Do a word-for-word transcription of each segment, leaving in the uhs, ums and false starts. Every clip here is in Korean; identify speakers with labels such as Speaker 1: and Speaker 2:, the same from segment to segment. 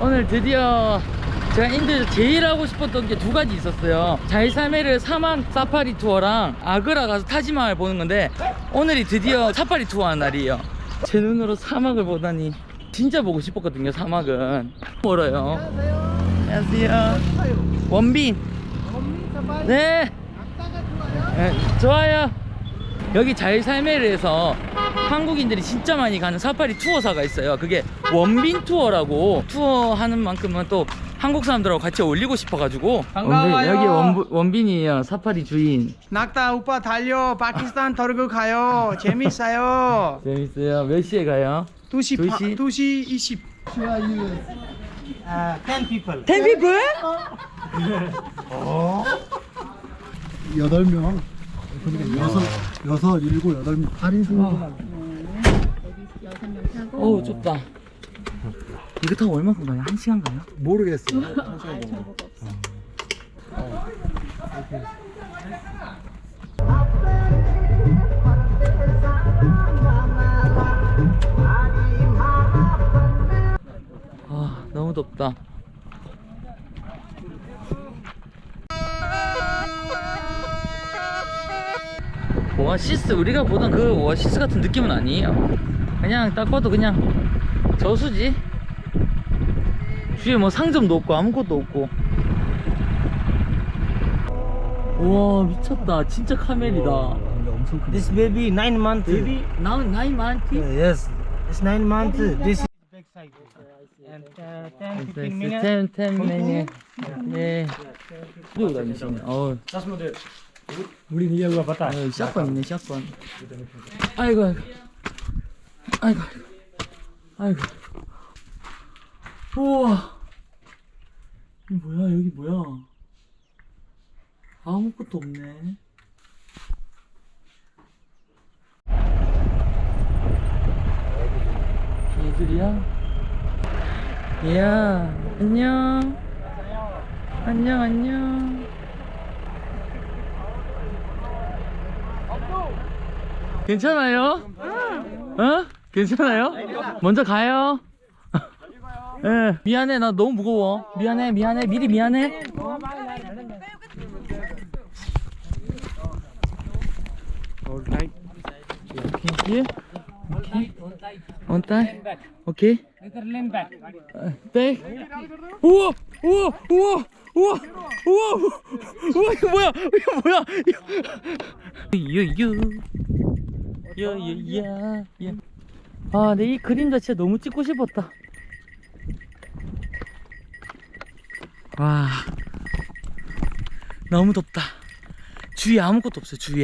Speaker 1: 오늘 드디어 제가 인도에서 제일 하고 싶었던 게 두 가지 있었어요. 자이살메르 사막 사파리 투어랑 아그라 가서 타지마을 보는 건데, 오늘이 드디어 사파리 투어 하는 날이에요. 제 눈으로 사막을 보다니 진짜 보고 싶었거든요. 사막은 멀어요. 안녕하세요. 원빈. 네. 네, 좋아요. 여기 자이살메르에서 한국인들이 진짜 많이 가는 사파리 투어사가 있어요. 그게 원빈 투어라고, 투어하는 만큼은 또 한국 사람들하고 같이 어울리고 싶어가지고.
Speaker 2: 반가워요.
Speaker 1: 여기 원, 원빈이에요. 사파리 주인.
Speaker 2: 낙타 오빠 달려 파키스탄 터르고 가요. 재밌어요.
Speaker 1: 재밌어요. 몇 시에 가요?
Speaker 2: 두 시
Speaker 1: 두
Speaker 2: 파-
Speaker 1: 시?
Speaker 2: 두 시 이십. 아, ten people.
Speaker 1: 텐 피플?
Speaker 3: 여덟 명. 여섯, 여섯, 일곱, 여덟 명. 할인 승무원.
Speaker 1: 어우, 좁다. 이거 타고 얼마큼 가요? 한 시간 가요?
Speaker 3: 모르겠어요.
Speaker 1: 아, 너무 덥다. 오아시스, 우리가 보던 그 오아시스 같은 느낌은 아니에요. 그냥 딱 봐도 그냥 저수지. 주위에 뭐 상점도 없고 아무것도 없고. 우와, 미쳤다. 진짜 카멜이다.
Speaker 3: 근데 엄청 큰.
Speaker 4: This baby nine months.
Speaker 1: Baby, now nine months.
Speaker 4: Yes, it's nine months. This is back side. And uh, ten, fifteen minutes.
Speaker 1: ten, ten minutes. 네. 들고 다니시네. 어우.
Speaker 4: 우리 니가 봤다.
Speaker 1: 어, 샷건 있네, 샷건. 아이고, 아이고. 아이고, 아이고. 우와. 이 뭐야, 여기 뭐야. 아무것도 없네. 얘들이야? 얘야, 안녕. 안녕, 안녕. 괜찮아요? 어? 괜찮아요? 먼저 가요. 예. 미안해, 나 너무 무거워. 미안해, 미안해, 미리 미안해.
Speaker 2: Alright.
Speaker 1: 오케이, 오케이. On time. 오케이. 어, 백. 우와, 우와, 우와, 우와, 우와, 우와, 이거 뭐야? 이거 뭐야? 유유. 야야야. 아, 내 이 그림 자체 너무 찍고 싶었다. 와, 너무 덥다. 주위에 아무것도 없어요. 주위에.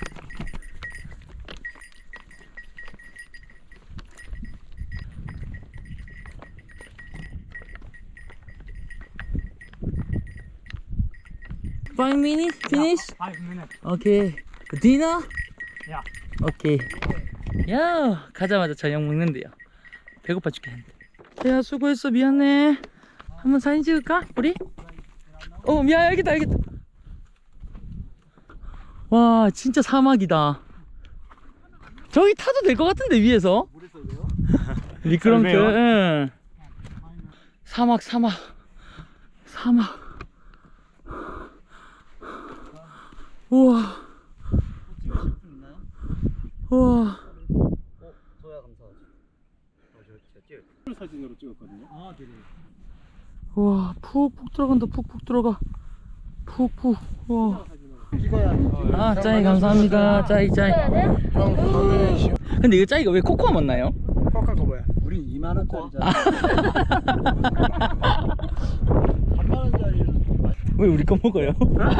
Speaker 1: Five minutes finish.
Speaker 4: Five minutes.
Speaker 1: 오케이. Dinner?
Speaker 4: Yeah.
Speaker 1: 오케이. 야, 가자마자 저녁 먹는데요. 배고파 죽겠는데. 야, 수고했어. 미안해. 한번 사진 찍을까? 우리? 어, 미안. 알겠다, 알겠다. 와, 진짜 사막이다. 저기 타도 될 것 같은데, 위에서. 미끄럼틀. 응. 사막, 사막. 사막. 우와. 우와.
Speaker 3: 저야 감사하지. 사진으로 찍었거든요. 아, 네.
Speaker 1: 우와, 푹푹 들어간다. 푹푹 들어가. 푹푹. 우와. 아, 짜이 감사합니다. 짜이 짜이. 근데 이거 짜이가 왜 코코아 먹나요?
Speaker 2: 코카가 뭐야?
Speaker 3: 우리 이만 원짜리잖아. 삼만 원짜리는
Speaker 1: 왜 우리 거 먹어요?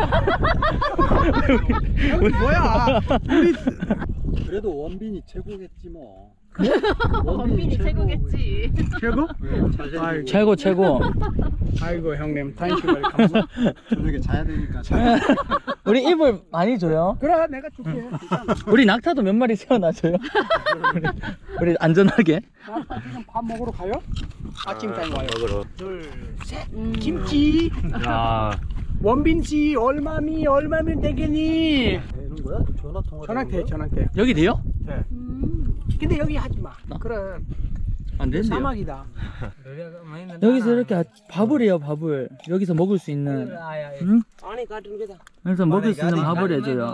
Speaker 2: 여기 뭐야? 우리
Speaker 3: 그래도 원빈이 최고겠지 뭐.
Speaker 5: 원빈이 최고겠지.
Speaker 2: 최고?
Speaker 3: 잘
Speaker 1: 최고 최고.
Speaker 2: 아이고 형님, 땡큐 very 감사.
Speaker 3: 저녁에 자야 되니까 자.
Speaker 1: 우리 이불 많이 줘요.
Speaker 2: 그래, 내가 줄게.
Speaker 1: 우리 낙타도 몇 마리 세워놔줘요. 우리, 우리 안전하게.
Speaker 2: 나 지금 밥 먹으러 가요? 아침 타임 와요. 둘, 셋. 김치.
Speaker 4: 야.
Speaker 2: 원빈 씨 얼마미 얼마면 되겠니?
Speaker 3: 되는 거야? 전화 통화.
Speaker 2: 전화돼, 전화돼.
Speaker 1: 여기 돼요?
Speaker 2: 네. 근데 여기 하지 마. 그럼
Speaker 1: 안 된대요.
Speaker 2: 사막이다.
Speaker 1: 여기서 이렇게 아- 밥을 해요, 밥을. 여기서 먹을 수 있는. 응? 그래서 먹을 수 있는 밥을 해줘요.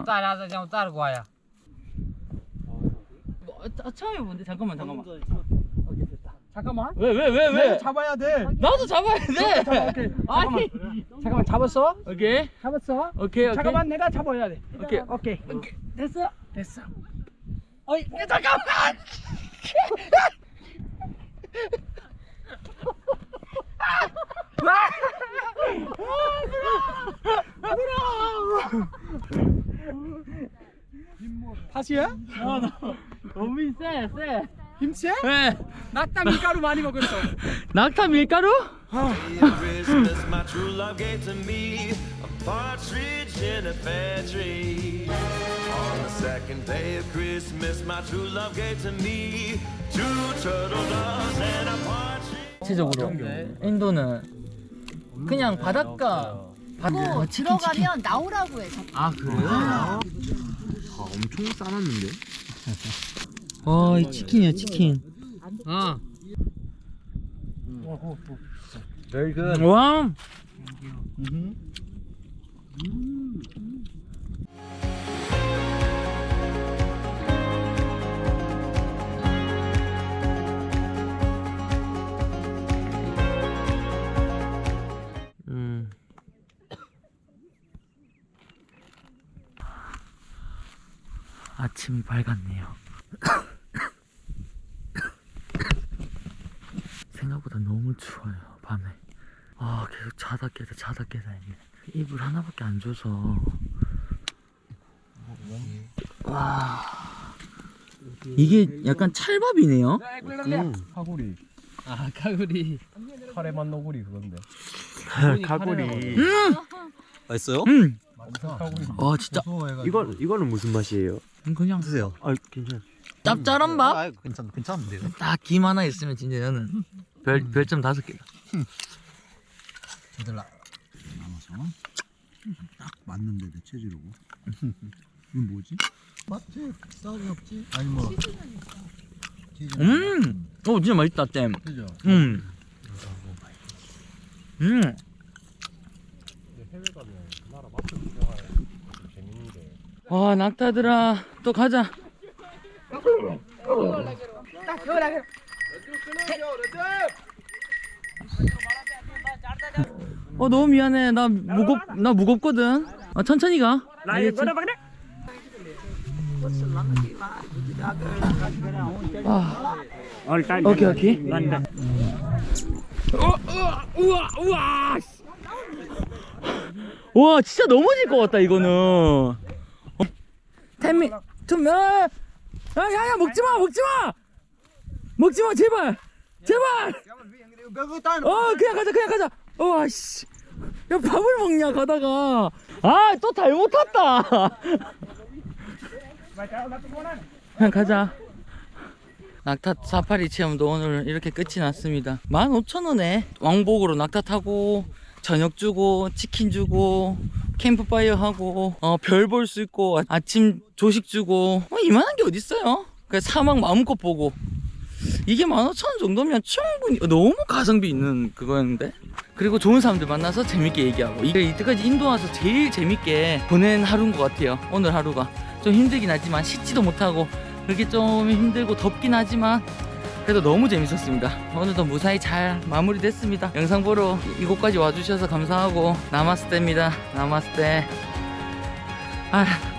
Speaker 1: 뭐, 아, 처음에 뭔데? 잠깐만, 잠깐만.
Speaker 2: 잠깐만.
Speaker 1: 왜, 왜, 왜, 왜?
Speaker 2: 잡아야 돼.
Speaker 1: 나도 잡아야 돼.
Speaker 2: 잠깐만, 오케이.
Speaker 1: 아니.
Speaker 2: 잠깐만 잡았어?
Speaker 1: 오케이.
Speaker 2: 잡았어?
Speaker 1: 오케이, 오케이.
Speaker 2: 잠깐만 내가 잡아야 돼.
Speaker 1: 오케이.
Speaker 2: 오케이.
Speaker 1: 됐어.
Speaker 2: 됐어.
Speaker 1: 어이, 잠깐만.
Speaker 2: 다시야?
Speaker 1: 너무 세, 세.
Speaker 2: 김치?
Speaker 1: 네.
Speaker 2: 낙타 밀가루 많이 먹었어.
Speaker 1: 낙타 밀가루?
Speaker 6: Christmas, my true love gave to me a partridge in a pear tree. On the second day of Christmas, my true love gave to me two turtle doves and a partridge.
Speaker 1: 전체적으로 인도는 그냥 바닷가.
Speaker 5: 그리고 들어가면 나오라고 해.
Speaker 1: 아 그래요?
Speaker 7: 아, 엄청 싸놨는데?
Speaker 1: 와, 이 치킨이야 치킨. 아.
Speaker 7: Very good.
Speaker 1: 와. 음. 아침이 밝았네요. 생각보다 너무 추워요 밤에. 아 계속 자다 깨다 자다 깨다 했네. 이불 하나밖에 안 줘서. 와 이게 약간 찰밥이네요.
Speaker 7: 카구리.
Speaker 1: 아 가구리.
Speaker 7: 카레만 너구리 그건데.
Speaker 1: 가구리.
Speaker 7: 맛있어요?
Speaker 1: 음. 아 진짜.
Speaker 7: 이거 이거는 무슨 맛이에요?
Speaker 1: 그냥
Speaker 7: 드세요. 아 괜찮아.
Speaker 1: 짭짤한 밥.
Speaker 7: 아 괜찮 괜찮은데요?
Speaker 1: 딱 김 하나 있으면 진짜 저는 별 별점 다섯 개다.
Speaker 3: 얘들아 나눠서 딱 맞는데 내 체질하고. 이건 뭐지? 맞지? 싸움이 없지? 아니 뭐
Speaker 1: 음. 오 진짜 맛있다 잼.
Speaker 3: 그죠?
Speaker 1: 음. 음. 와 낙타들아 또 가자. 어 너무 미안해. 나 무겁 나 무겁거든. 아 천천히 가. 알겠지? 아. 오케이 오케이. 어, 우와 우와 우와. 와 진짜 넘어질 것 같다 이거는. 어? 태미 투명. 야야야 먹지마 먹지마 먹지마 제발 제발. 어 그냥 가자 그냥 가자. 와씨 야 밥을 먹냐 가다가. 아 또 잘못 탔다. 그냥 가자. 낙타 사파리 체험도 오늘 이렇게 끝이 났습니다. 만 오천 원에 왕복으로 낙타 타고 저녁 주고 치킨 주고 캠프파이어 하고 어, 별 볼 수 있고 아침 조식 주고 어, 이만한 게 어딨어요. 그냥 사막 마음껏 보고 이게 만 오천 원 정도면 충분히 너무 가성비 있는 그거였는데. 그리고 좋은 사람들 만나서 재밌게 얘기하고 이게 이때까지 인도 와서 제일 재밌게 보낸 하루인 것 같아요. 오늘 하루가 좀 힘들긴 하지만 씻지도 못하고 그렇게 좀 힘들고 덥긴 하지만 그래도 너무 재밌었습니다. 오늘도 무사히 잘 마무리됐습니다. 영상 보러 이곳까지 와주셔서 감사하고 나마스테입니다. 나마스테. 아